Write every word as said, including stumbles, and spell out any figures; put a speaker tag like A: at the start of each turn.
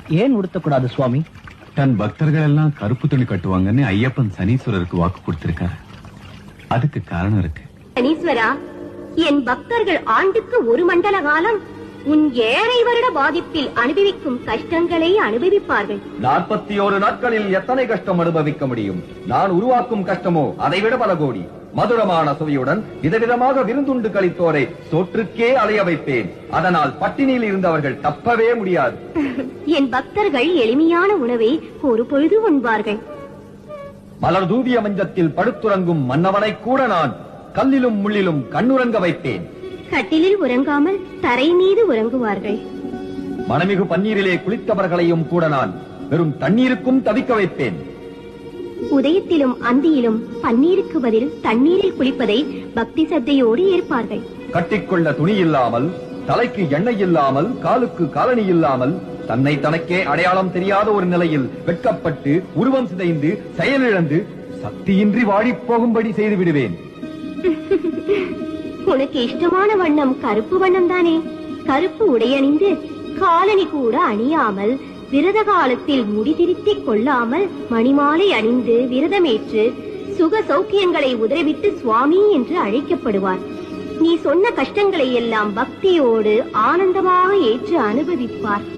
A: ஏன் உடுத்தக்கூடாது சுவாமி?
B: தன் பக்தர்கள் எல்லாம் கருப்பு துணி கட்டுவாங்கன்னு ஐயப்பன் சனீஸ்வரருக்கு வாக்கு கொடுத்திருக்காரு. அதுக்கு காரணம் இருக்கு.
C: சனீஸ்வரா, என் பக்தர்கள் ஆண்டுக்கு ஒரு மண்டல காலம் உன் ஏழை வருட பாதிப்பில் அனுபவிக்கும் கஷ்டங்களை அனுபவிப்பார்கள்.
D: நாற்பத்தி ஓரு நாட்களில் எத்தனை கஷ்டம் அனுபவிக்க முடியும்? நான் உருவாக்கும் கஷ்டமோ அதைவிட பல கோடி. மதுரமான சுவையுடன் விதவிதமாக விருந்துண்டு கழித்தோரை சோற்றுக்கே அலைய வைப்பேன். அதனால் பட்டினியில் இருந்தவர்கள் தப்பவே முடியாது.
C: என் பக்தர்கள் எளிமையான உணவை ஒரு பொழுது உண்பார்கள்.
D: மலர் தூவிய மஞ்சத்தில் படுத்துறங்கும் மன்னவனை கூட நான் கல்லிலும் முள்ளிலும் கண்ணுறங்க வைப்பேன்.
C: கட்டிலில் உறங்காமல் தரை மீது உறங்குவார்கள்.
D: மனமிகு பன்னீரிலே குளித்தவர்களையும் கூட நான் வெறும் தண்ணீருக்கும் தவிக்க வைப்பேன்.
C: உதயத்திலும் அந்தியிலும் பன்னீருக்கு பதில் தண்ணீரில் குளிப்பதை பக்தி சத்தையோடு ஏற்பார்கள்.
D: கட்டிக்கொள்ள துணி இல்லாமல், தலைக்கு எண்ணெய் இல்லாமல், காலுக்கு காலணி இல்லாமல், தன்னை தனக்கே அடையாளம் தெரியாத ஒரு நிலையில் வெட்கப்பட்டு உருவம் சிதைந்து செயலிழந்து சக்தியின்றி வாடிப் போகும்படி செய்து விடுவேன்.
C: உனக்கு இஷ்டமான வண்ணம் கருப்பு வண்ணம் தானே? கருப்பு உடையணிந்து காலணி கூட அணியாமல், விரத காலத்தில் முடிதிருத்திக் கொள்ளாமல், மணிமாலை அணிந்து விரதமேற்று சுக சௌக்கியங்களை உதவிட்டு சுவாமி என்று அழைக்கப்படுவார். நீ சொன்ன கஷ்டங்களை எல்லாம் பக்தியோடு ஆனந்தமாக ஏற்று அனுபவிப்பார்.